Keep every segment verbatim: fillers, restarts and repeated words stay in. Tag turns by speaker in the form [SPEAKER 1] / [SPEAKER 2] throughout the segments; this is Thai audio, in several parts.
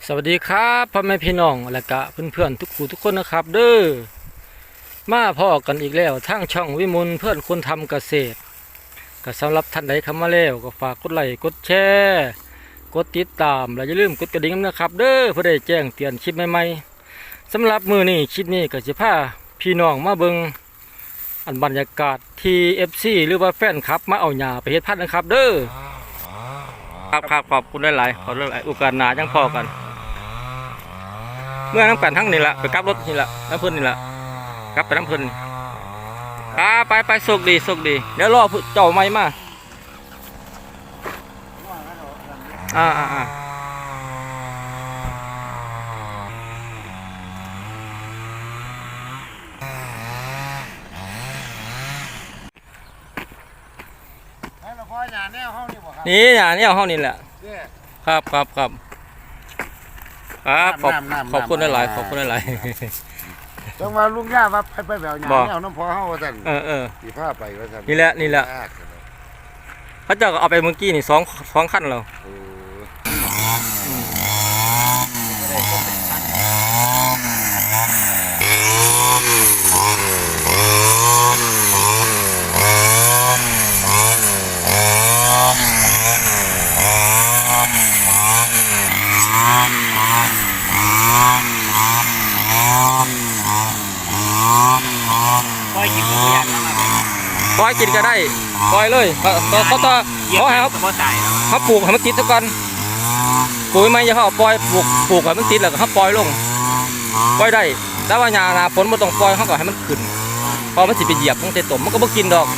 [SPEAKER 1] สวัสดีครับพ่อแม่พี่น้องและกะเพื่อนๆทุกคู่ทุกคนนะครับเด้อมาพ่อกันอีกแล้วทางช่องวิมลเพื่อนคนทำเกษตรก็สำหรับท่านใดเข้ามาแล้วก็ฝากกดไลค์กดแชร์กดติดตามและอย่าลืมกดกระดิ่งนะครับเด้อเพื่อได้แจ้งเตือนคลิปใหม่ๆสำหรับมือนี้คลิปนี้ก็จะพาพี่น้องมาเบิ่งอันบรรยากาศที่ เอฟ ซี หรือว่าแฟนคลับมาเอาหญ้าไปเฮ็ดพันธุ์นะครับเด้อครับครับขอบคุณหลายๆขอหลายๆโอกาสหน้าจังพอกันเมื่อน้ำกันทั้งนี่แหละไปกลับรถนี่แหละน้ำพื้นนี่แหละกลับไปน้ำพื้นอ่าไปไปโชคดีโชคดีเดี๋ยวรอเจ้าไม่มาอ่าอ่าอ่านี่หญ้าเนี่ยห้องนี่แหละครับครับครับครับขอบขอบคุณหลายๆขอบคุณหลาย
[SPEAKER 2] ๆจังว่าลุงย่าว่าไปไปแบบอย่างนี้เอาน้ำพอเฮาว่าซั่นเออเออสีผ้าไปว่าซั่น
[SPEAKER 1] นี่แหละนี่แหละพระเจ้าก็เอาไปเมื่อกี้นี่สองสองขั้นแล้วปล่อยกินก็ได้ปล่อยกินก็ได้ปล่อยเลยเขาเขาต่อเขาให้เขาเขาปลูกให้มันติดซะก่อนปลูกไม่จะเขาปล่อยปลูกปลูกให้มันติดแล้วก็เขาปล่อยลงปล่อยได้แต่ว่าหญ้าหน้าฝนมันต้องปล่อยเขาก็ให้มันขึ้นพอมันสิไปเหยียบมันจะตมมันก็บ่กินดอก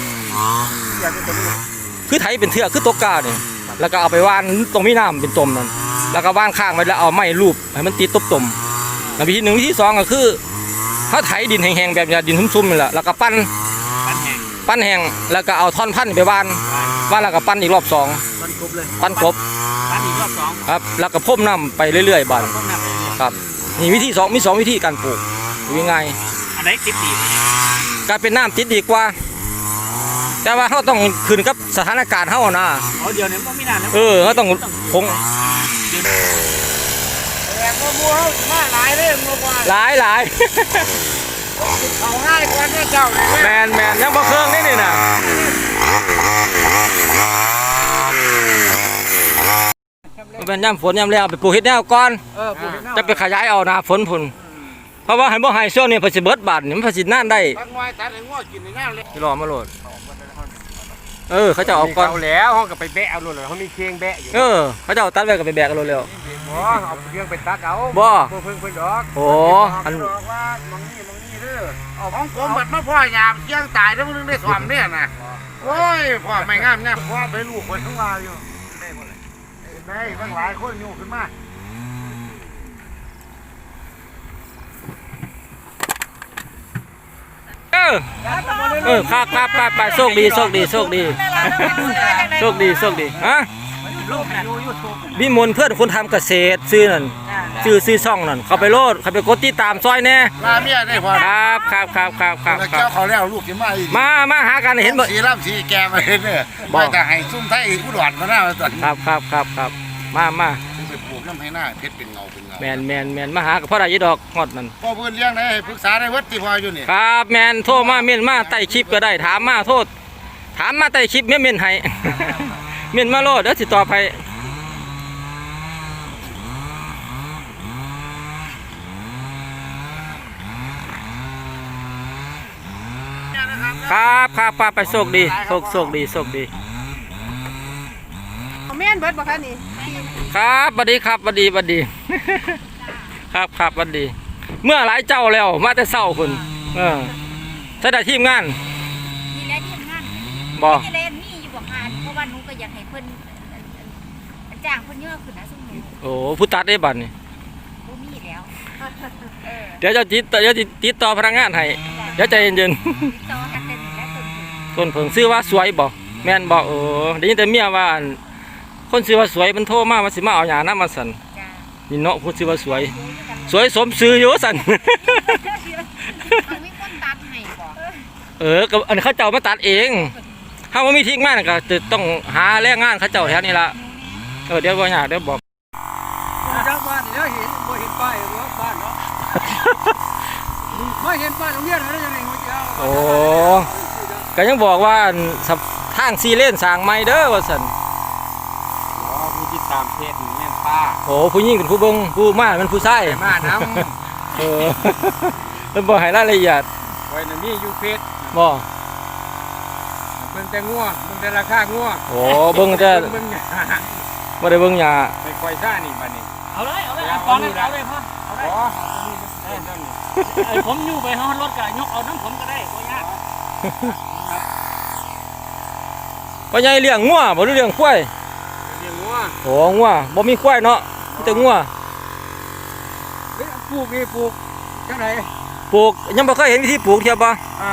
[SPEAKER 1] คือไถเป็นเถื่อคือตัวกาเนี่ยแล้วก็เอาไปว่านตรงมีน้ำเป็นตมนั่นแล้วก็ว่านข้างไว้แล้วเอาไม้รูปให้มันติดตบตมแล้ววิธีหนึ่งวิธีสองก็คือเขาไถดินแห้งๆแบบนี้ดินซุ่มๆนี่แหละแล้วก็ปั้นปั้นแห้งแล้วก็เอาท่อนพันธุ์ไปวานวานแล้วก็ปั้นอีกรอบสองปั้นกบปั้นอีกรอบสองครับแล้วก็พ่มน้ำไปเรื่อยๆบ้านครับนี่วิธีสองมีสองวิธีการปลูกยังไงอันไหนติดดีการเป็นน้ำติดดีกว่าแต่ว่าเขาต้องขึ้นกับสถานการณ์เขานะเดี๋ยวนี้ต้องมีน้ำเออเขาต้องคงมัวมาหลายเลยมัวหลายหลายเอาง่ายกว่าเจ้าแมนแมนยังบ่เครื่องนี่นี่นะมันเป็นย่ำฝนย่ำแล้วไปปลูกเห็ดแนวก่อนจะไปขยายเอานะฝนพุ่นเพราะว่าให้บ่ให้ช่วงนี้ผลิตเบิดบาทนี่มันผลิตน่านได้ที่รอมาโหลดเออเขาจะเอาก่อน
[SPEAKER 2] แล้วเขาก็ไปแบะเอาโหลดเลยเขามีเคียงแบะอยู่
[SPEAKER 1] เออเขาจะเอาตัดไว้กับไปแบกกันโหลดเร็ว
[SPEAKER 2] บ่เอาเคียงไปตัดเอา
[SPEAKER 1] บ่
[SPEAKER 2] เพิ่งเพิ่งดอก
[SPEAKER 1] โอ้
[SPEAKER 2] อันบอกว่ามังนี่มังนี่เด้อเอาของผมบัดมาพ่อยามเคียงตายแล้วมึงได้สวมเนี่ยนะโอ้ยพ่อไม่งามเนี่ยพ่อไปลูกคนทั้งวาอยู่ได้หมดเลยได้ทั้งหลายคนอยู่ขึ้นมา
[SPEAKER 1] เออเออครับครับครับไปโชคดีโชคดีโชคดีโชคดีโชคดีฮะวิมลเพื่อนคนทำเกษตรซื้อนั่นซื้อซื้อช่องนั่นเขาไปโลดเขาไปกดติดตามซอยแน่
[SPEAKER 2] ลาเมียได้พอ
[SPEAKER 1] ครับครับครับครับครับ
[SPEAKER 2] เจ้าเขาแล้วลูกจะมาอีก
[SPEAKER 1] มามาหากันเห็นบ่
[SPEAKER 2] สีร่ำสีแกมาเห็นเนี่ยไม่แต่ให้ซุ่มไทยอุดรมาหน้าตอน
[SPEAKER 1] ครับครับครับครับมามา
[SPEAKER 2] ไปปลูกน้ำให้หน้าเพชรเป็นเงาเป็นเงา
[SPEAKER 1] แมนแมนแมนมาหากับพ่อได้ยี่ดอกงอดนั่น
[SPEAKER 2] พ่อเพื่อนเลี้ยงได้ปรึกษาได้วัดที่พออยู่นี่
[SPEAKER 1] ครับแมนโทรมาเมียนมาไต่คลิปก็ได้ถามมาโทษถามมาไต่คลิปเมียนเมียนให้เมียนมาโลดเดี๋ยวติดต่อไปครับครับป้าไปโชคดีโชคโชคดีโชคดี
[SPEAKER 3] แม่นเบิดบ่คะนี่
[SPEAKER 1] ครับสวัสดีครับสวัสดีสวัสดีครับครับสวัสดีเมื่อหลายเจ้าแล้วมาแต่เศร้าคุณเออใช่ได้ทีมงาน
[SPEAKER 3] มีแล้วทีมงาน
[SPEAKER 1] บ่
[SPEAKER 3] มีแล้วมีอยู่บ่งานเพราะว่าหนูก็อยากให้เพิ่นจ้างเพิ่นเยอะขึ้นนะซุ่มนี้
[SPEAKER 1] โอ้ผู้ตัดได้บัดนี่
[SPEAKER 3] บ่มีแล้ว
[SPEAKER 1] เดี๋ยวจะติดเดี๋ยวจะติดต่อพนักงานให้เดี๋ยวใจเย็น
[SPEAKER 3] ๆต่อทักเป็นและ
[SPEAKER 1] ต้นเพิ่งซื้อว่าสวยบ่แม่นบ่เออได้ยินแต่เมียว่าคนซื้อว่าสวยมันโทรมาว่าสิมาเอาหญ้าน้ำมาสั่นนี่เนาะพูดซื้อว่าสวยสวยสมซื้ออยู่สั่นเออกับอันเขาเจ้ามาตัดเองถ้าว่ามีทิ้งมากก็จะต้องหาแรงงานเขาเจ้าแถวนี้ละเออเดี๋ยวว่าอยากเดี๋ยวบอก
[SPEAKER 2] เจ้าบ้านเดี๋ยวเห็นยเห็นบ้านโรงเรียนอะไรอย่างเงี้ย
[SPEAKER 1] โอ้ก็ยังบอกว่าสับทางซีเลนสร้างใหม่เด้อว่าซั่น
[SPEAKER 2] อ๋อผู้ติดตามเพจแม่นป้า
[SPEAKER 1] โอ้ผู้หญิงเป็นผู้เบิ่งผู้มามันผู้ชาย
[SPEAKER 2] มาน้
[SPEAKER 1] เออเพิ่นบ่ให้รายละเอียด
[SPEAKER 2] ำไว้ในนี้อยู่เพจ
[SPEAKER 1] บ่
[SPEAKER 2] เบิ่งแต่งัวเบิ่งแต่ราคางัว
[SPEAKER 1] โอ้เบิ่งแต่
[SPEAKER 2] เบิ่งเนี่ย
[SPEAKER 1] บ่ได้เบิ่งหญ้า
[SPEAKER 2] ไปคอยซ่านี่บัดนี้
[SPEAKER 4] เอาเลยเอาเลยเอาก่อนเลยเอาเลยพ่อเอาเลย
[SPEAKER 2] อ๋อนี่นั่นนี่
[SPEAKER 4] ไอ้ผมอยู่ไปห้องรถก็ยกเอาน้ำผมก็ได้ก็ยาก
[SPEAKER 1] พ่อใหญ่เลี้ยงงัวบ่หรือเลี้ยงควาย
[SPEAKER 2] เลี้ยงงัว
[SPEAKER 1] โอ้งัวบ่มีควายเนาะมีแต่งัว
[SPEAKER 2] เฮ้ยปลูกนี่ปลูกจังได
[SPEAKER 1] ปลูกยังบ่เคยเห็นวิธีปลูกเทียบบ่
[SPEAKER 2] อ่า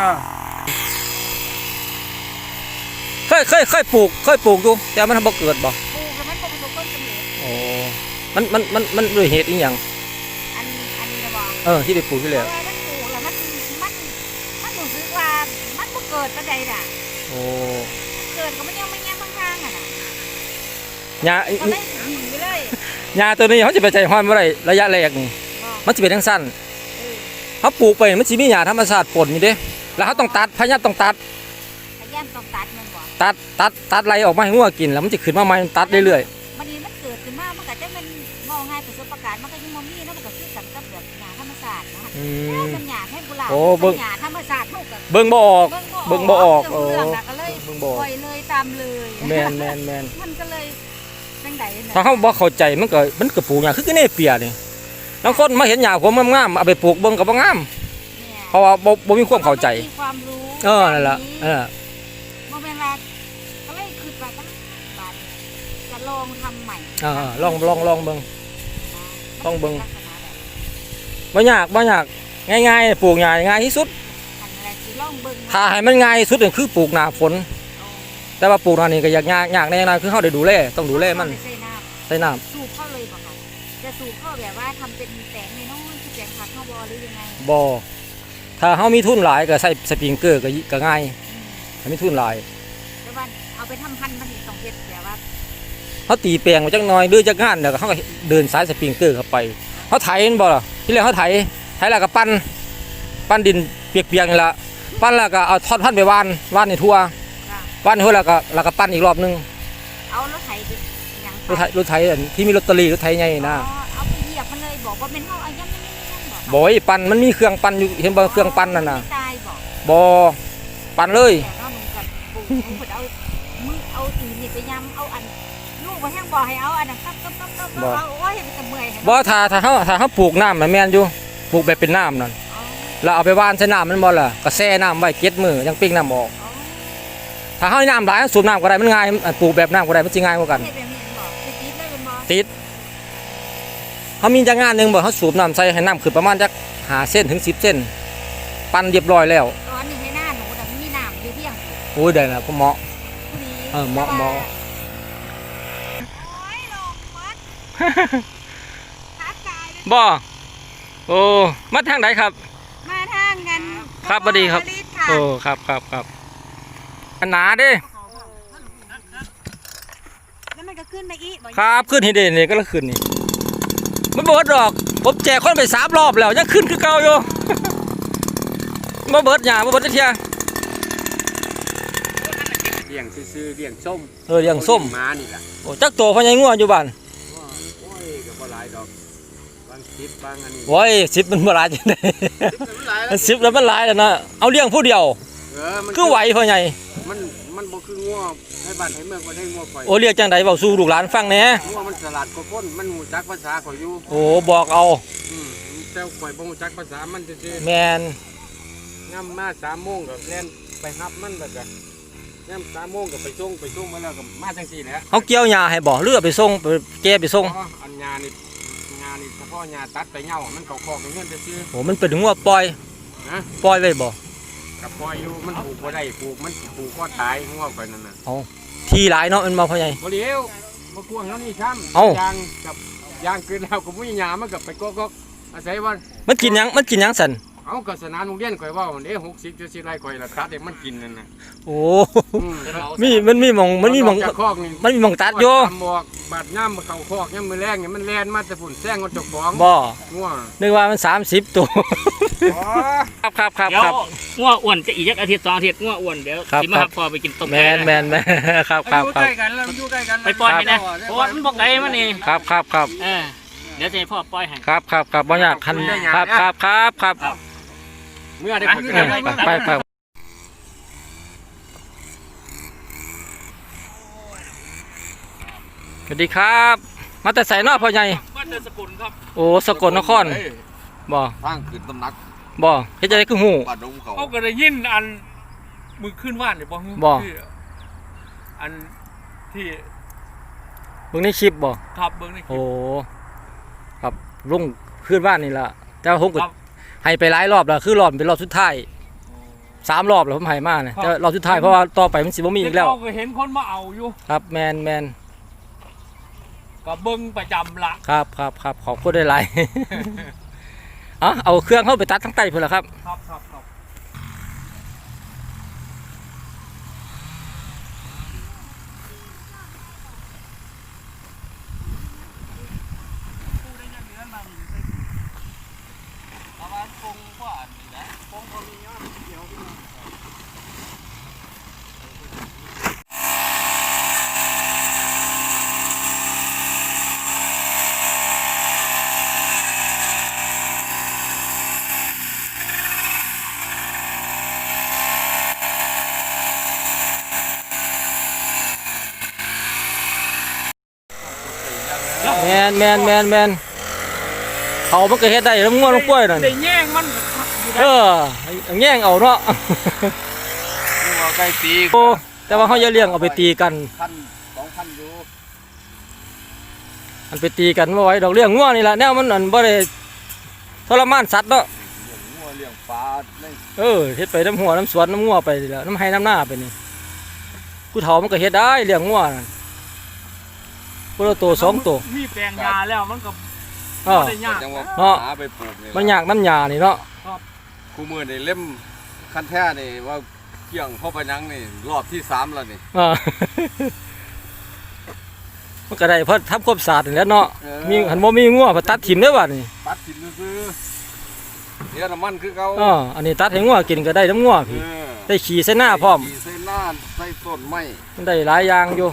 [SPEAKER 1] เคยเคยเคยปลูกเคยปลูกอยู่แต่มันบ่เกิดบ่
[SPEAKER 3] ปลูกแล้วมันบ่ประสบผลสำเร็จ
[SPEAKER 1] โอ้มันมันมันมันด้วยเหตุอีหยัง
[SPEAKER 3] อันอันนี้นะบอก
[SPEAKER 1] เออที่ไปปลูกที่
[SPEAKER 3] เพ
[SPEAKER 1] แล้ว
[SPEAKER 3] ราะว่ามันปลูกแล้วมันมันมันรู้สึกว่ามันบ่เกิดปานใดน่ะ
[SPEAKER 1] โอ้
[SPEAKER 3] เกิดก็มันยังไม่แง่ข้างๆอ่ะน่ะ
[SPEAKER 1] หญ้า
[SPEAKER 3] ก็เลยหนีไปเลย
[SPEAKER 1] หญ้าตัวนี้เขาสิไปใจฮ้อนบ่ได้ระยะแรกนี่
[SPEAKER 3] บอก
[SPEAKER 1] มันสิเป็นจังซั่น
[SPEAKER 3] เออ
[SPEAKER 1] เขาปลูกไปมันสิมีหญ้าธรรมชาติปนอยู่เด้แล้วเขาต้องตัดพยายามต้องตัด
[SPEAKER 3] พยายามต้องตัดมันบ่
[SPEAKER 1] ตัดตัดตัดไรออกมาให้งัวกินแล้วมันจะขึ้นมาใหม่มันตัดเรื่อย
[SPEAKER 3] มันนี่มันเกิดขึ้นมามันก็จะเป็นมองง่ายประสบการณ์มันก็ยังบ่มีเนาะมันก็คือกันกับแบบหญ้าธรรมชาตินะ
[SPEAKER 1] ๆอื
[SPEAKER 3] แล้ว
[SPEAKER 1] ม
[SPEAKER 3] มันหญ้าให้กุหลาบ
[SPEAKER 1] โอ้เบิ่ง
[SPEAKER 3] หญ้าธรรมชาติเฮาก็
[SPEAKER 1] เบิ่งบ่ออก เบิ่งบ่ออก
[SPEAKER 3] เรื่องเรื่องน่ะก็เลย
[SPEAKER 1] เบิ่งบ่ออก
[SPEAKER 3] ปล่อยเลยตามเลย
[SPEAKER 1] แมนแมนแมน
[SPEAKER 3] มันก็เลยจังไดน่ะ
[SPEAKER 1] ถ้าเขาบ่เข้าใจมันก็มันก็ปลูกหญ้าคือกันเนเปียนี่บางคนมาเห็นหญ้าผมงามๆเอาไปปลูกเบิ่งก็บ่งาม
[SPEAKER 3] เนี่ย
[SPEAKER 1] เพราะว่าบ่บ่มีความเข้าใจ
[SPEAKER 3] มีความรู้
[SPEAKER 1] เออนั่นล่ะเออ
[SPEAKER 3] บ่แม่นว่าก็เลยคิดว่าบ้านบ้านจะลองทำใหม่
[SPEAKER 1] เออลองลองลองเบิ่ง ต้องเบิ่ง
[SPEAKER 3] ลักษณะแบบ
[SPEAKER 1] บ่ยากบ่ยากง่ายๆปลูกหญ้าง่ายที่สุด
[SPEAKER 3] อันอะไรสิลองเบิ่ง
[SPEAKER 1] ถ้าให้มันง่ายที่สุดก็คือปลูกหน้าฝน แต่ว่าปลูกหน้านี้ก็ยากยากยากแน่นอนคือเฮาได้ดูแลต้องดูแลมัน
[SPEAKER 3] เอาไปใส่น้ำ
[SPEAKER 1] ใส่น้ำ
[SPEAKER 3] สูบเข้าเลยบ่คะจะสูบเข้าแบบว่าทำเป็นแสงในน้อยๆคือแสงผักเข้าบอหรือยังไง
[SPEAKER 1] บ่ถ้าเฮามีทุนหลายก็ใส่สปริงเกอร์ก็ก็ง่าย
[SPEAKER 3] อืม
[SPEAKER 1] ถ้ามีทุนหลาย
[SPEAKER 3] แต่ว่าเอาไปทำพันธุ์มันนี่ต้องเฮ็ดแบบว่า
[SPEAKER 1] เขาตีแปลงมาจักหน่อยหรือจักงานเดี๋ยวเขาก็เดินสายสปริงเกอร์เข้าไปเขาไถมันบ่ล่ะที่แรกเขาไถไถแล้วก็ปั้นปั้นดินเปียกๆนี่ละปั้นแล้วก็เอาทอดพันธุ์ไปหวานหวานในทั่ว
[SPEAKER 3] อ่ะ
[SPEAKER 1] หวานในทั่วแล้วก็แล้วก็ปั้นอีกรอบนึง
[SPEAKER 3] เอารถไถไปหยัง
[SPEAKER 1] รถไถรถไถอันที่มีลอตเตอรี่รถไถใหญ่นะ
[SPEAKER 3] อ๋อเอาไปเหยียบมันเลยบอกว่าเป็นเฮาเอาย่ำๆๆๆบอก
[SPEAKER 1] บ่อยปั้นมันมีเครื่องปั้นอยู่เห็นบ่เครื่องปั้นนั่นน่ะ
[SPEAKER 3] ตายบอก
[SPEAKER 1] บ่ปั้นเลย
[SPEAKER 3] แต่ว่ามึงกับปู่มึงเพิ่นเอามือเอาตีนนี่ไปย้ำเอาอันลูกมาแห้งบอกให้เอาอันนั้นครับครับครับครับเอาโอ้ยมันจะเมื่อยให้
[SPEAKER 1] บ่ถ้าถ้าเฮาถ้าเฮาปลูกน้ำมันแม่นอยู่ปลูกแบบเป็นน้ำนั่น
[SPEAKER 3] เอา
[SPEAKER 1] แล้วเอาไปหว่านใส่น้ำมันบ่ล่ะก็แช่น้ำไว้เจ็ดมื้อยังปิ้งน้ำออก
[SPEAKER 3] เอา
[SPEAKER 1] ถ้าเฮาให้น้ำหลายสูบน้ำก็ได้มันง่ายอันปลูกแบบน้ำก็ได้มันสิง่ายกว่ากัน
[SPEAKER 3] เฮ็ดแบบนี้บอกสิติดเลยเป็นบ่
[SPEAKER 1] ติดเขามีจักงานหนึ่งบอกเขาสูบน้ำใส่ให้น้ำขึ้นประมาณจักหาเส้นถึงสิบเส้น ปั่นเรียบร้อยแล้ว
[SPEAKER 3] ตอนนี้ให้หน้าหนูน่ะมันมีน้ำอยู่เพียงอยู่
[SPEAKER 1] โอ้ยได้แล้วพ่อเหมาะ
[SPEAKER 3] ผู้ดี
[SPEAKER 1] เออเหมาะเหมาะ
[SPEAKER 3] โอ้ยลงวัดทักทายเลย
[SPEAKER 1] บ่โอ้มาทางไหนครับ
[SPEAKER 3] มาทางกัน
[SPEAKER 1] ครับสวัสดีครับ
[SPEAKER 3] วลิตค่ะ
[SPEAKER 1] โอ้ครับครับครับอันหนาเด้
[SPEAKER 3] แล้วมันก็ขึ้นไปอีกบ่
[SPEAKER 1] ครับขึ้นให้เด่นนี่ก็แล้วขึ้นนี่มันเบิดดอกผมแจกคนไปสามรอบแล้วยังขึ้นคือเก่าอยู่ มาเบิดหยามาเบิดจักเทีย
[SPEAKER 2] เลี้ยงซื่อๆเลี้ยงส้ม
[SPEAKER 1] เออเลี้ยงส้ม
[SPEAKER 2] ม้านี่ล่ะ
[SPEAKER 1] โอ้จักโตพ่อใหญ่งัวอยู่บ้าน
[SPEAKER 2] โอ้ยก็บ่หลายดอกบางคลิปบางอันนี้
[SPEAKER 1] โอ้ยสิบมันบ่หลายจังได๋ สิบแล้วมันหลายแล้วนะเอาเลี้ยงผู้เดียว
[SPEAKER 2] เออมัน
[SPEAKER 1] คือไหวพ่อใหญ่
[SPEAKER 2] มันมันบ่คืองัวให้บ้านให้เมืองบ่ได้งัวข่อย
[SPEAKER 1] โอ้เรียกจังไดเว้าสู่ลูกหลานฟังแหน่
[SPEAKER 2] งัวมันฉลาดกว่าคนมันรู้จักภาษาข่อยอยู่
[SPEAKER 1] โอ้บอกเอา
[SPEAKER 2] อืมแต่ข่อยบ่รู้จักภาษามันซื่อ
[SPEAKER 1] แมน
[SPEAKER 2] ๆย่ำมาสามโมงก็แล่นไปรับมันแล้วก็ย่ำสามโมงก็ไปส่งไปส่งมาแล้วก็มาจังซี่แหละ
[SPEAKER 1] เขาเกี่ยวหญ้าให้บ่เรือเอาไปส่งไปแกไปส่ง
[SPEAKER 2] อ๋ออันยานี่ยานี่เฉพาะยาตัดไปเหงามันเข้าคอกเงินซื่อ
[SPEAKER 1] โอ้มันเป็นงัวปล่อย
[SPEAKER 2] ๆนะ
[SPEAKER 1] ปล่อยไว้บ่
[SPEAKER 2] กับปล่อยอยู่มันปลูกบ่ได้ปลูกมันปลูกก็ตายงัวข่อยนั่นน่ะ
[SPEAKER 1] ทีหลายเนาะมันมาพ่อใหญ่
[SPEAKER 2] บ่เลี้ยวบ่กวางแล้วนี่ช้ำ
[SPEAKER 1] เอ้า
[SPEAKER 2] ยางกับยางเกินแล้วก็บ่มีหญ้ามันก็ไปกอกๆอาศัยว่า
[SPEAKER 1] มันกินหยังมันกินหยังสั่น
[SPEAKER 2] เอาก็สนามโรงเรียนข่อยเว่าเด้หกสิบเจ็ดสิบไร่ข่อยละตัดให้มันกินนั่นน่ะ
[SPEAKER 1] โอ้
[SPEAKER 2] อืม
[SPEAKER 1] มีมันมีหม่องมันมีหม่อง
[SPEAKER 2] จากคอกนี่
[SPEAKER 1] มันมีหม่องตัดอยู่
[SPEAKER 2] ตามบอกบาดย่ำมาเข่าคอกย่ำมือแรงเนี่ยมันแลนมาแต่ฝุ่นแซงมันจกของ
[SPEAKER 1] บ่
[SPEAKER 2] ง่วง
[SPEAKER 1] นึกว่ามันสามสิบตัว
[SPEAKER 2] อ๋อ
[SPEAKER 1] ครับครับครับ
[SPEAKER 4] เดี๋ยว
[SPEAKER 1] ครับ
[SPEAKER 4] ง้ออ้วนจะอีกอาทิตย์สองอาทิตย์ง้ออ้วนเดี๋ยว
[SPEAKER 1] ครับ
[SPEAKER 4] สิมา
[SPEAKER 1] ครั
[SPEAKER 4] หั
[SPEAKER 1] บ
[SPEAKER 4] บพอไปกินต้ม
[SPEAKER 1] แม
[SPEAKER 4] ไก่
[SPEAKER 1] นแมนแมนครับครับ
[SPEAKER 2] อยู่
[SPEAKER 1] ครั
[SPEAKER 2] ใก
[SPEAKER 1] บ
[SPEAKER 2] ล้กันแล้วอยู่ใกล้กัน
[SPEAKER 4] ไปปล่อยให้นะเพราะว่ามันบอกไก่มันนี่
[SPEAKER 1] ครับครับครับ
[SPEAKER 4] เออเดี๋ยวจะให้พ่อปล่อยให้
[SPEAKER 1] ครับครับครับบ่อยากคันครับครับครับครับ
[SPEAKER 2] เมื่อได้ผล
[SPEAKER 1] เออไปไปไปสวัสดีครับ มาแต่ใส่นอกพ่อใหญ่
[SPEAKER 4] บ้านเดินสกุลครับ
[SPEAKER 1] โอ้สกลนครบ่
[SPEAKER 5] ทางขึ้นตำหนัก
[SPEAKER 1] บ่เฮ็ดจังได๋คือฮู้
[SPEAKER 5] บ้านดงเขา
[SPEAKER 4] เขาก็ได้ยินอันมือขึ้นว่านเนี่ยบอก
[SPEAKER 1] บ่
[SPEAKER 4] ที่อันที่
[SPEAKER 1] เบิ่งในคลิปบ่
[SPEAKER 4] ขับเบิ้งในคลิ
[SPEAKER 1] โอ้
[SPEAKER 4] ป
[SPEAKER 1] ครับลุงขึ้นบ้านนี่ล่ะแต่ว่าผมก็
[SPEAKER 4] ครับ
[SPEAKER 1] ให้ไปหลายรอบแล้วคือรอบเป็นรอบสุดท้ายสามรอบแล้วผมให้มาเนี่ย
[SPEAKER 4] ครับ
[SPEAKER 1] แต่รอบสุดท้ายเพราะว่าต่อไปมันสิบ่มีอีกแล้ว
[SPEAKER 4] เขาก็เห็นคนมาเอาอยู่
[SPEAKER 1] ครับแมนแมน
[SPEAKER 4] ก็เบิ้งประจำละ
[SPEAKER 1] ครับครับครับขอบคุณได้หลาย อ๋อเอาเครื่องเข้าไปตัดทั้งใต้เพื่อละครับ
[SPEAKER 4] ครับครับครับ
[SPEAKER 1] แมนแมนแมนแมนเขามันก็เฮ็ดได้แล้วง่วงลงกล้วยนั่น
[SPEAKER 4] ได้แย่งมันอยู่
[SPEAKER 1] เอ
[SPEAKER 4] ได้
[SPEAKER 1] อแง่งเอาเนาะ
[SPEAKER 5] งัวไก่ตี
[SPEAKER 1] โอ้แต่ว่าเขาจะเลี้ยงเอาไปตีกัน
[SPEAKER 5] พันสองพันอยู่
[SPEAKER 1] มันไปตีกันบ่ไหว้ดอกเลี้ยงง่วงนี่ล่ะแนวมันอันบ่ได้ทรมานสัตว์เนาะ
[SPEAKER 5] งัวเลี้ยงปลาใน
[SPEAKER 1] เออเฮ็ดไปน้ำหัวน้ำสวนน้ำงัวไปนี่แหล้วน้ำไห้น้ำหน้าไปนี่ผู้เฒ่ามันก็เฮ็ดได้เลี้ยงงัวนั่นผู้ละตัวสองตัว
[SPEAKER 4] มีแปลงยาแล้วมันก็
[SPEAKER 1] อ้อ
[SPEAKER 4] บ่ได้ยาก
[SPEAKER 5] จังว่า
[SPEAKER 1] เนาะ
[SPEAKER 5] หาไปปลูกนี่
[SPEAKER 1] มันยากน้ำยานี่เนาะ
[SPEAKER 5] คู่มือนี่เล่มคันแท้นี่ว่าเกี่ยงเข้าไปยังนี่รอบที่สามแล้วนี่
[SPEAKER 1] อ่า มันก็ได้เพราะทำความสะอาดนี่แหล้วเนาะ
[SPEAKER 5] เออ
[SPEAKER 1] มีหันบ่มีงัวพอตัดถิ่มได้อบัดนี่
[SPEAKER 5] ตัดถิ่นซื้อเดี๋ยวน้ำมันคือเขา
[SPEAKER 1] อ๋ออันนี้ตัดให้งัวกินก็ได้น้ำงัว
[SPEAKER 5] เอ
[SPEAKER 1] พี่
[SPEAKER 5] อ
[SPEAKER 1] ได้ขี่ใส่หน้าพร้อม
[SPEAKER 5] ใส่หน้าใส่ต้นไม้
[SPEAKER 1] มันได้หลายอย่างอยู่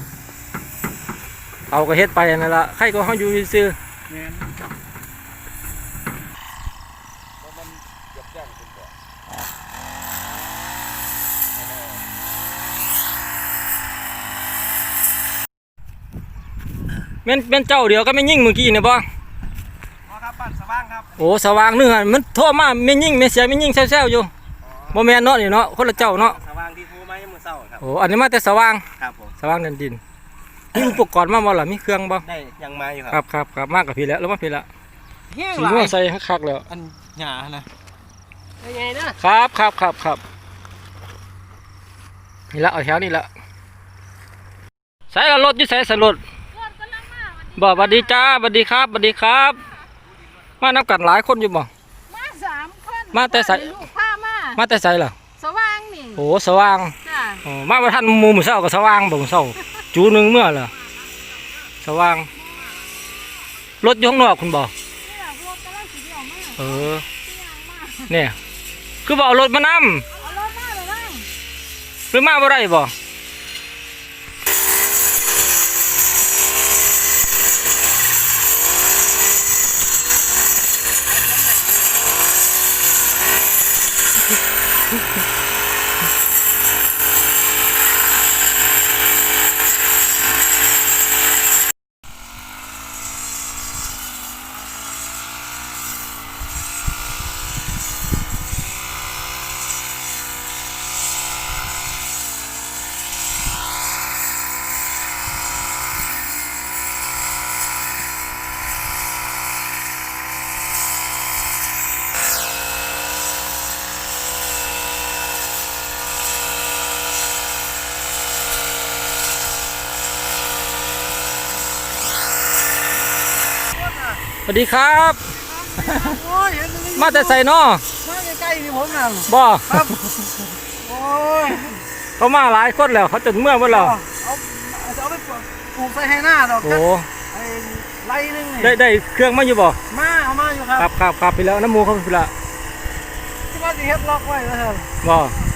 [SPEAKER 1] เอาก็เฮ็ดไปนั่นล่ะใครก็เฮาอยู่ซื่อ
[SPEAKER 4] แม่น
[SPEAKER 5] เพราะมันเกือบแจ้งคุณก่อน
[SPEAKER 1] แม่นแม่นเจ้าเดียวก็แม่นยิ่งเมื่อกี้นี่บ่
[SPEAKER 2] ครับบ้านสว่างครับ
[SPEAKER 1] โอ้สว่างนึงหั่นมันโทรมาแม่นยิ่งแม่เสียแม่นยิ่งแซวๆอยู่บ่แม่นเนาะนี่เนาะคนละเจ้าเนาะ
[SPEAKER 2] สว่างที่โทรมายังมือเศร้าครับ
[SPEAKER 1] โอ้อันนี้มาแต่สว่าง
[SPEAKER 2] ครับผม
[SPEAKER 1] สว่างเดินดินมีอุปกรณ์มาบ่ล่ะมีเครื่องบ่
[SPEAKER 2] ได้ยังมาอยู่
[SPEAKER 1] ค
[SPEAKER 2] ค
[SPEAKER 1] รั
[SPEAKER 2] รั
[SPEAKER 1] บบ ครับครับมากกับพี่แล้วแล้วมาพี่ละ
[SPEAKER 2] แห้ง
[SPEAKER 1] สี
[SPEAKER 2] หลา
[SPEAKER 1] ม่วย งใส่คักๆแล้ว
[SPEAKER 2] อันหยานะยังไงนะครับ
[SPEAKER 1] ครับครับครับนี่ละเอาแถวนี่ละใส่ละรถอยู่ใส่สรถบ่สวัสดีจ้าสวัสดีครับสวัสดีครับ มานับกันหลายคนอยู่บ่
[SPEAKER 3] มาสามคน
[SPEAKER 1] มาแต่ใส่
[SPEAKER 3] ลูกพามา
[SPEAKER 1] มาแต่ใส่ล่ะ
[SPEAKER 3] สว่างนี่
[SPEAKER 1] โอ้สว่าง
[SPEAKER 3] จ้ะ
[SPEAKER 1] อ๋อมาบ่ทันหมู่มื้อเช้าก็สว่างบ่มื้อเช้าจูหนึงเมื่อล่ะสว่างรถอยู่ข้างนอกคุณบ่
[SPEAKER 3] นี่ล่ะรถกำลังสิเดียวมา
[SPEAKER 1] เออ
[SPEAKER 3] เที่ยงมา
[SPEAKER 1] เนี่ยคือบ่เอารถมานำ
[SPEAKER 3] เอารถมาเลยบ้าง
[SPEAKER 1] หรือมาบ่ได้บ่สวัสดีครับ
[SPEAKER 2] โอ้ยเห็นตรงนี้
[SPEAKER 1] มาแต่ใส่นอ
[SPEAKER 2] มาใกล้ๆนี่ผมนั่ง
[SPEAKER 1] บ่
[SPEAKER 2] ครับโอ้ย
[SPEAKER 1] เขามาหลายคนแล้วเขาจนเมื่อหมดแล้ว
[SPEAKER 2] เอาเอาไปปลูกปลูกใส่ให้หน้าดอก
[SPEAKER 1] โอ้
[SPEAKER 2] ไอ้ไรนึง
[SPEAKER 1] ได้ได้เครื่องมาอยู่บ่
[SPEAKER 2] มาเอามาอยู่ครับ
[SPEAKER 1] ครับครับครับไปแล้วน้ำหมูเขาไปละ
[SPEAKER 2] ที่ว่าสิเฮ็ดล็อกไว้แล้วครับ
[SPEAKER 1] บ่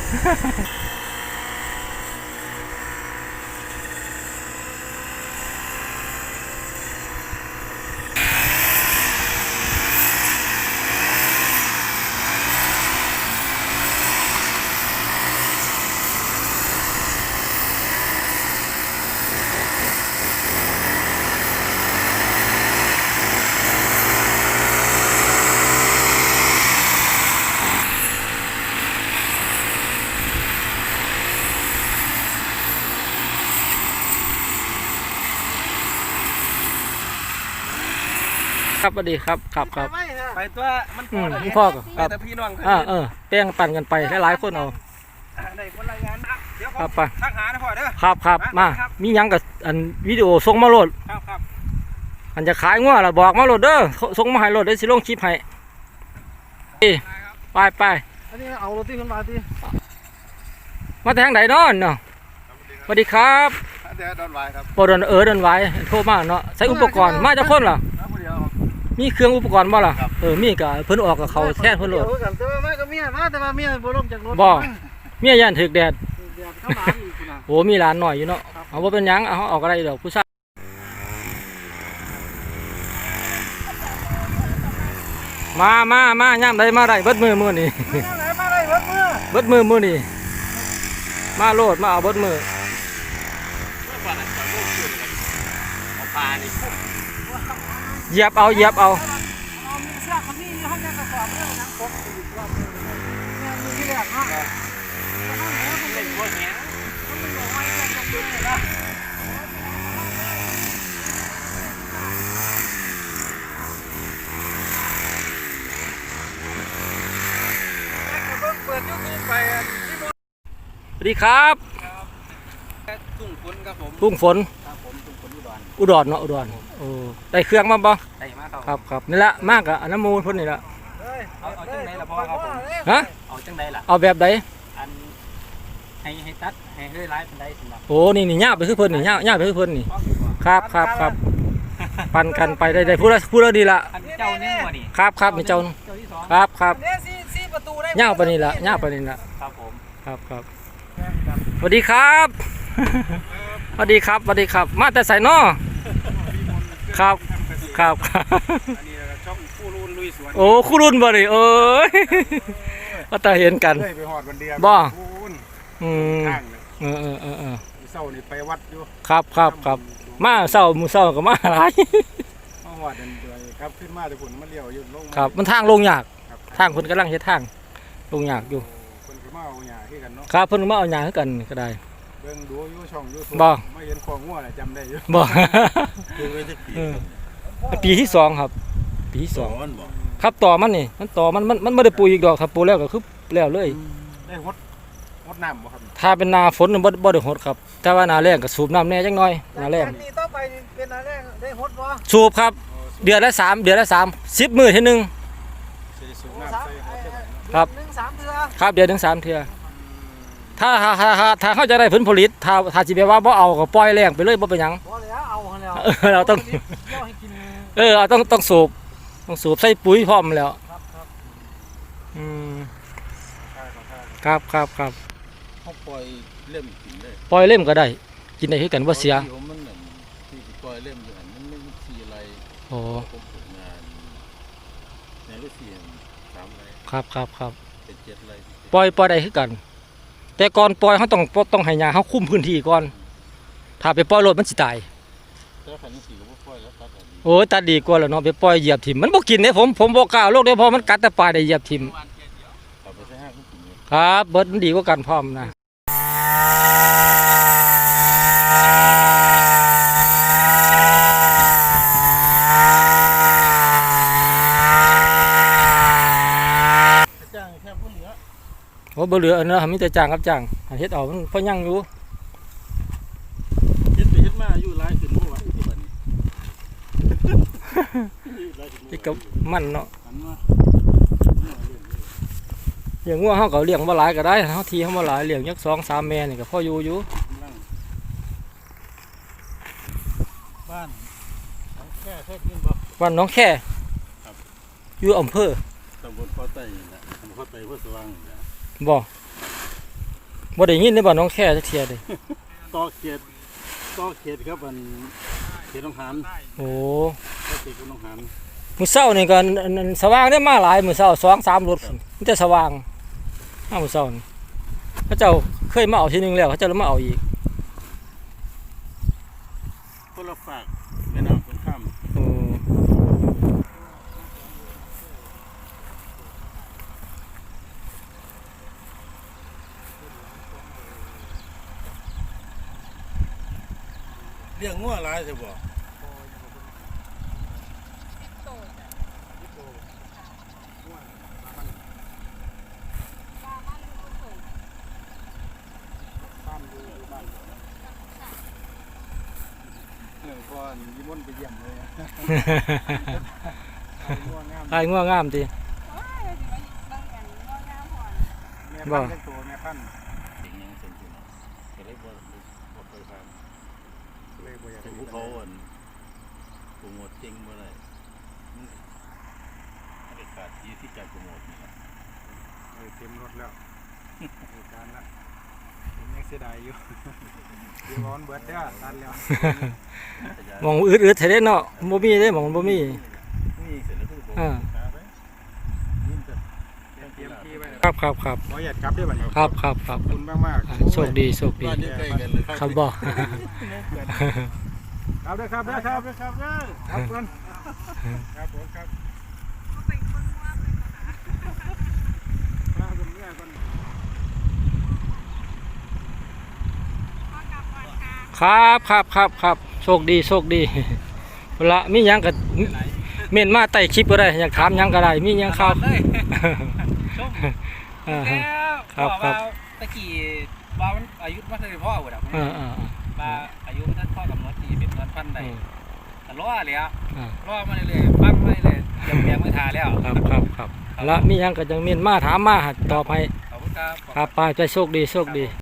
[SPEAKER 1] ครับสวัสดีครับครับครับ
[SPEAKER 4] ไปตัวมัน
[SPEAKER 1] อื
[SPEAKER 4] พอ
[SPEAKER 1] ม
[SPEAKER 4] แล้ว
[SPEAKER 1] พ่อก็ครับ
[SPEAKER 4] แต่พี่น้อง
[SPEAKER 1] อ่าเออแป้งปั่นกันไปหลายๆคนเอา
[SPEAKER 4] ได้คนรายงานนะเดี๋ยว
[SPEAKER 1] ครับไป
[SPEAKER 4] ทักหานะพ่อเด้อ
[SPEAKER 1] ครับครับมา
[SPEAKER 4] ครับ
[SPEAKER 1] มีหยังกับอันวิดีโอส่งมาโหลด
[SPEAKER 4] ครับครับ
[SPEAKER 1] อันจะขายงัวล่ะบอกมาโหลดเด้อส่งมาให้โหลดได้สิลงคลิปให้ไปไป
[SPEAKER 2] อันนี้เอารถที่ขึ้นมาที่
[SPEAKER 1] มาทางไหนเนาะเนาะสวัสดีครับ
[SPEAKER 5] เดี๋ยวโดนไว้ครับ
[SPEAKER 1] ปอดอนเออเดินไหว้โทรมาเนาะใช้อุปกรณ์มาจากคนล่ะ
[SPEAKER 5] ครับเดียว
[SPEAKER 1] มีเครื่องอุปกรณ์บ่ล่ะเออมีก็เพิ่นออกกับเขาแท้เพิ่นโหลด
[SPEAKER 2] เดี๋ยวกันแต่ว่าแม่ก็เมียมาแต่ว่าเมียบ่ลงจากรถ
[SPEAKER 1] บ่ เมียย่านถึกแดด
[SPEAKER 2] เดี๋ยวเข้ามาอีกนะ
[SPEAKER 1] โอ้มีหลานหน่อยอยู่เนาะเอาบ่เป็นหยังเอาออกอะไรดอกผู้ชายมามามาย่ำใดมาได้เบิดมือมือนี่
[SPEAKER 2] มาไหนมาได้รถมือ
[SPEAKER 1] เบิดมือมือนี่มาโลดมาเอาเบิดมือ
[SPEAKER 4] ปลานี่
[SPEAKER 1] เหยียบเอาเหยียบเอา
[SPEAKER 2] เอามีเสื้อคนนี้อยู่ห้องแกกระสอบเรื่องนังปกอีกรอบนึงเนี่ยมีที่แรกเนาะ
[SPEAKER 4] เป็นพวกเนี้ย
[SPEAKER 2] เปิดยูทูบไป
[SPEAKER 1] สวัสดีครับ
[SPEAKER 4] ตุ้งฝนครับผม
[SPEAKER 1] ทุ่งฝน
[SPEAKER 4] ครับผมตุ้งฝนอุดร
[SPEAKER 1] อุดรเนาะอุดรโอ้ได้เครื่องมาบ่
[SPEAKER 4] ได้มาครับ
[SPEAKER 1] ครับครับนี่ละมากอะอันน้ำมูลพ่นนี่ละ
[SPEAKER 4] เอาเอาจังไดล่ะพ่อครับผม
[SPEAKER 1] ฮะ
[SPEAKER 4] เอาจังไดล่ะ
[SPEAKER 1] เอาแบบใด
[SPEAKER 4] อันให้ให้ตัดให้เฮ้ยไล่เป็นไดสำหรับ
[SPEAKER 1] โอ้นี่นี่ย่าไปคือเพิ่นนี่ย่าย่าไปคือเพิ่นนี่
[SPEAKER 4] พ่อดีกว่า
[SPEAKER 1] ครับครับครับปั่นกันไปได้ได้พูดแล้วพูดแล้วดีละ
[SPEAKER 4] อันเจ้านี่บ่นี่
[SPEAKER 1] ครับครับนี่เจ้า
[SPEAKER 4] เจ้าที่สอง
[SPEAKER 1] ครับครับ
[SPEAKER 2] เนี่ยสี่สี่ประตูได้
[SPEAKER 1] ย่าไปนี่ละย่าไปนี่ละ
[SPEAKER 4] ครับผม
[SPEAKER 1] ครับครับสวัสดีครับสวัสดีครับสวัสดีครับ มาแต่ใส่นอครับครับครับ
[SPEAKER 4] อันนี้ช่องผู้รุ่นลุยสวน
[SPEAKER 1] โอ้คู่รุ่นบ่ดิเอ้ยก็แต่เห็นกัน
[SPEAKER 2] เลยไปหอดวันเดียว
[SPEAKER 1] บ่
[SPEAKER 2] คูณ
[SPEAKER 1] อืม
[SPEAKER 2] ข้างเนี่ย
[SPEAKER 1] เออเออเออเออ
[SPEAKER 2] เศร้านี่ไปวัดอยู่
[SPEAKER 1] ครับครับครับมาเศร้ามือเศร้าก็มาหลาย
[SPEAKER 2] มาหอดเดินเดือยครับขึ้นมาแต่ผุนมันเลี้ยวอยู่ลงมา
[SPEAKER 1] ครับมันทางลงยาก
[SPEAKER 2] ครับ
[SPEAKER 1] ทางคนกำลังเฮ็ดทางลงยากอยู่
[SPEAKER 2] คนขึ้นมาเอาหยาที่กันเนาะ
[SPEAKER 1] ครับเพิ่นมาเอาหยาคือกันก็ได้
[SPEAKER 2] เบิ่งดูอยู่ช่องยูทูบ
[SPEAKER 1] บ่
[SPEAKER 2] ไม่เห็นของงัวน่ะจำได้อยู่
[SPEAKER 1] บ่
[SPEAKER 2] ดูไปสักปี
[SPEAKER 1] เออปีที่สองครับ ปีที่สองครับต่อมันนี่มันต่อมันมันมันไม่ได้ปลูกอีกดอกถ้าปลูกแล้วก็คือแล้วเลย
[SPEAKER 2] ได้หดหดน้ำบ่ครับ
[SPEAKER 1] ถ้าเป็นนาฝนน่ะบ่บ่ได้หดครับ แต่ว่านาแล้งก็สูบน้ำแหน่จังน้อยนาแล้ง
[SPEAKER 2] จากนี้ต่อไปนี่เป็นอะไรได้หดบ่
[SPEAKER 1] สูบครับ เดือนละสามเดือนละสามสิบมื้อเทีนึง
[SPEAKER 2] สิสูบน้ำใส่หดได้
[SPEAKER 1] ครับ
[SPEAKER 2] หนึ่งสามเดือน
[SPEAKER 1] ครับเดือนถึงสามเทื่อถ้าถ้าถ้าถ้าถ้าเขาจะได้ผลผลิตถ้าถ้าสิไปว่าบ่เอาก็ปล่อยแล้งไปเลยบ่เป็นหยัง
[SPEAKER 2] พอแล้วเอาแล้ว
[SPEAKER 1] เออเราต้อง
[SPEAKER 2] เที่ยวให้กิน
[SPEAKER 1] เออเอาต้องต้องสูบต้องสูบใส่ปุ๋ยพร้อมแล้ว
[SPEAKER 2] ครับครับ
[SPEAKER 1] อืม
[SPEAKER 2] ใช่ครับใช่
[SPEAKER 1] ครับครับครับ
[SPEAKER 5] เขาปล่อยเล่มกินเลย
[SPEAKER 1] ปล่อยเล่มก็ได้ กินได้คือกันบ่เสีย
[SPEAKER 5] ที่ผมมันนั่นที่ปล่อยเล่มอยู่หันมันไม่มีสีอะไร
[SPEAKER 1] โอ้
[SPEAKER 5] ผมฝึกงานในฤาษีสามไร
[SPEAKER 1] ครับครับครับ
[SPEAKER 5] เป็นเจ็ดไร
[SPEAKER 1] ปล่อยปล่อยได้คือกัน แต่ก่อนปล่อยเขาต้องต้องให้ยาเขาคุมพื้นที่ก่อน ถ้าไปปล่อยรถมันสิตาย
[SPEAKER 5] แต่ขันสีก็บ่ปล่อยแล้วตัดอันนี้
[SPEAKER 1] โอ้ยตัดดีกว่าแล้วเนาะไปปล่อยเหยียบถิ่มมันบ่กินเด้ผมผมบ่กล้าเอาโลกเด้เพราะมันกัดแต่ปลายได้เหยียบถิ่ม
[SPEAKER 5] เอาไปใช้ห้างก็กินเลย
[SPEAKER 1] ครับเบิดมันดีกว่ากันพร้อมนะ
[SPEAKER 2] จ้างแค่ผู้เหลือ
[SPEAKER 1] โอ้บ่เหลืออันนั้นมีแต่จ้างกับจ้างอันเฮ็ดเอามันพอยังอยู่
[SPEAKER 2] เฮ็ดไปเฮ็ดมาอยู่หลายขึ้นบ่วะที่บัดนี้
[SPEAKER 1] นี่ก็มันเนาะ
[SPEAKER 2] หันมา
[SPEAKER 1] อย่างงัวเฮาก็เลี้ยงบ่หลายก็ได้เฮาทีเฮาบ่หลายเลี้ยงจักสองสามแม่นี่ก็พออยู่อยู่
[SPEAKER 4] เคยได้ยินบ่
[SPEAKER 1] บ้านหน้องแค่อยู่อำเภอ
[SPEAKER 4] ตำบลพ่อไต่นี่แหละตำบลพ่อไต่พ่อสว่างนี่แหละ
[SPEAKER 1] บ่บ่ได้ยินในบ้านหน้องแค่จักเที่ยเด้
[SPEAKER 4] ต่อเขตต่อเขตครับอันเขตหนองหาน
[SPEAKER 1] โอ้
[SPEAKER 4] ต่อเขตกับหนองหาน
[SPEAKER 1] มื้อเช้านี่ก็อันอันสว่างได้มาหลายมื้อเช้าสองสามรถพุ่นมันจะสว่างมามื้อเช้านี่เขาเจ้าเคยมาเอาทีนึงแล้วเขาเจ้าแล้วมาเอาอีก
[SPEAKER 4] คนละฝากแม่น้ำคนข้าม
[SPEAKER 1] โอ้
[SPEAKER 4] เลี้ยงงัวหลายใช่บ่
[SPEAKER 5] เออพอนิมนต์ไปเยี่ยมเลย
[SPEAKER 1] ไอ้งัวงามติ
[SPEAKER 5] แม่พันธุ์เป็นตัวแม่พันธุ์
[SPEAKER 4] เด็กยังเส้นที่เนาะก็เลยบ่บ่เคยผ่าน
[SPEAKER 5] เลยบ่อยาก
[SPEAKER 4] แต่ผู้เขาอันโปรโมทเก่งบ่ได้มันมันได้ขาดที่ที่จะโปรโมทนี่ล่ะ
[SPEAKER 5] เออเต็มรถแล้วเหตุการณ์ละผมยังเสียดายอยู่เดี๋ยวร้อนเบิดเด้อตันแล้ว
[SPEAKER 1] หมองอึดๆแท้เด้เนาะบ่มีเด้หมองบ่มี
[SPEAKER 4] นี่เสร็จแล้วคือบ่
[SPEAKER 1] อ่า
[SPEAKER 4] ขาไปยินแต่
[SPEAKER 5] เตรียมเตรียมที่ไว้
[SPEAKER 1] ครับครับครับ
[SPEAKER 5] ขออยากกลับด้วยบัดนี้
[SPEAKER 1] ครับครับครับ
[SPEAKER 5] ขอบคุณมากมาก
[SPEAKER 1] อ่าโชคดีโชคดี
[SPEAKER 4] บ้านอยู่ใกล้กันเลย
[SPEAKER 1] ครับบ่
[SPEAKER 5] ครับเด้อครับเด้อครับเด้อครับเด้อครับเพื่อนครับผมครับมาเบิ่งเมียก่อน
[SPEAKER 1] ครับครับครับครับโชคดีโชคดีเวลามีหยังก็เม่นมาใต้คลิปก็ได้อยากถามหยังก็ได้มีหยังข่าว อ่าฮะ ครับครับ
[SPEAKER 6] ตะกี้ว่ามันอายุมันเท่าไหร่พ่อเว้ยดอก
[SPEAKER 1] อ่าอ่า
[SPEAKER 6] ว่าอายุมันท่านพ่อกำหนดที่เป็นเงินพันใด
[SPEAKER 1] อืม
[SPEAKER 6] แต่รอเลยอ่ะ
[SPEAKER 1] อ่าร
[SPEAKER 6] อมาเรื่อยๆปั้งมาเรื่อยๆเตรียมแปลงไม่ทาแล้ว
[SPEAKER 1] ครับครับครับแล้วมีหยังก็จังเม่นมาถามมาตอบให้
[SPEAKER 6] ขอบคุณครับ
[SPEAKER 1] ครับไปใจโชคดีโชคดี